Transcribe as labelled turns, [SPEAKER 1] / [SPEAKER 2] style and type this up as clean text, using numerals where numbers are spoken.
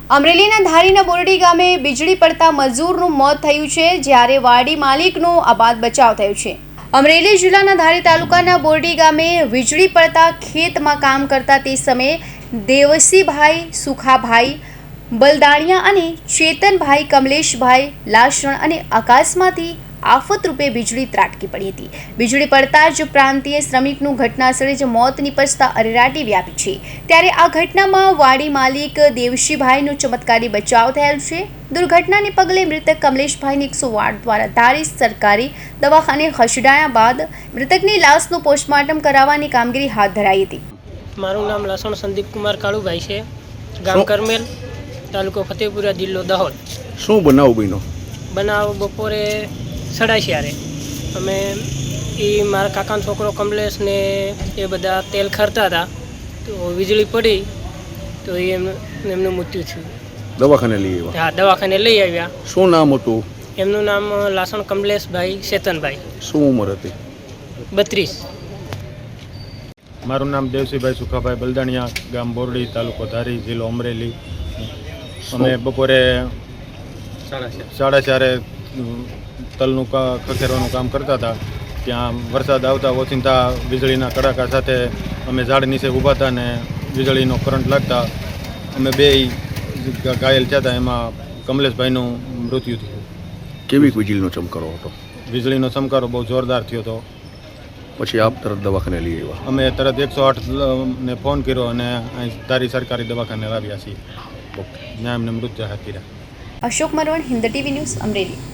[SPEAKER 1] અમરેલીના ધારીના બોરડી ગામે વીજળી પડતા મજૂરનું મોત થયું છે, જ્યારે વાડી માલિકનો આબાદ બચાવ થયો છે। અમરેલી જિલ્લાના ધારી તાલુકાના બોરડી ગામે વીજળી પડતા ખેતમાં કામ કરતા તે સમયે દેવસીભાઈ સુખાભાઈ બલદાણિયા અને ચેતનભાઈ કમલેશભાઈ લાસણ અને આકાશમાંથી આફત રૂપે વીજળી ત્રાટકી પડી હતી। વીજળી પડતા જ પ્રાંતીય શ્રમિકનું ઘટનાસ્થળે જ મોત નિપજતા અરેરાટી વ્યાપી છે, ત્યારે આ ઘટનામાં વાડી માલિક દેવશીભાઈનો ચમત્કારી બચાવ થયેલ છે। દુર્ઘટનાને પગલે મૃતક કમલેશભાઈને 108 દ્વારા ધારી સરકારી દવાખાને ખસેડાયા બાદ મૃતકની લાશનું પોસ્ટમોર્ટમ કરાવવાની કામગીરી હાથ ધરાઈ હતી।
[SPEAKER 2] મારું નામ લસણ સંદીપ કુમાર કાળુભાઈ છે, ગામ કરમેલ, તાલુકો ફતેપુરા, જિલ્લો દાહોદ।
[SPEAKER 3] શું બનાવ બન્યો?
[SPEAKER 2] બનાવ બપોરે 4:30 અમે મારા કાકાનો છોકરો કમલેશ ને એ બધા તેલ ખરતા હતા, તો વીજળી પડી તો એમનું મૃત્યુ થયું।
[SPEAKER 3] દવાખાને લઈ આવ્યા?
[SPEAKER 2] હા, દવાખાને લઈ આવ્યા।
[SPEAKER 3] શું નામ હતું?
[SPEAKER 2] એમનું નામ લાસણ કમલેશભાઈ ચેતનભાઈ।
[SPEAKER 3] શું ઉંમર હતી?
[SPEAKER 2] 32।
[SPEAKER 4] મારું નામ દેવસીભાઈ સુખાભાઈ બલદાણિયા, ગામ બોરડી, તાલુકો ધારી, જિલ્લો અમરેલી। અમે બપોરે 4:30 તલનું ખખેરવાનું કામ કરતા હતા, ત્યાં વરસાદ આવતા ઓચિંતા વીજળીના કડાકા સાથે અમે ઝાડ નીચે ઊભા હતા ને વીજળીનો કરંટ લાગતા અમે બે ઘાયલ થયા હતા। એમાં કમલેશભાઈનું મૃત્યુ થયું।
[SPEAKER 3] કેવી વીજળીનો ચમકારો હતો?
[SPEAKER 4] વીજળીનો ચમકારો બહુ જોરદાર થયો હતો।
[SPEAKER 3] પછી આપ તરત દવાખાને લઈ આવ્યા?
[SPEAKER 4] અમે તરત 108 ને ફોન કર્યો અને અહીં ધારી સરકારી દવાખાને લાવ્યા છીએ। ત્યાં એમને મૃત્યુ હાથ કર્યા।
[SPEAKER 1] Ashok Marvan, Hind TV news, Amreli.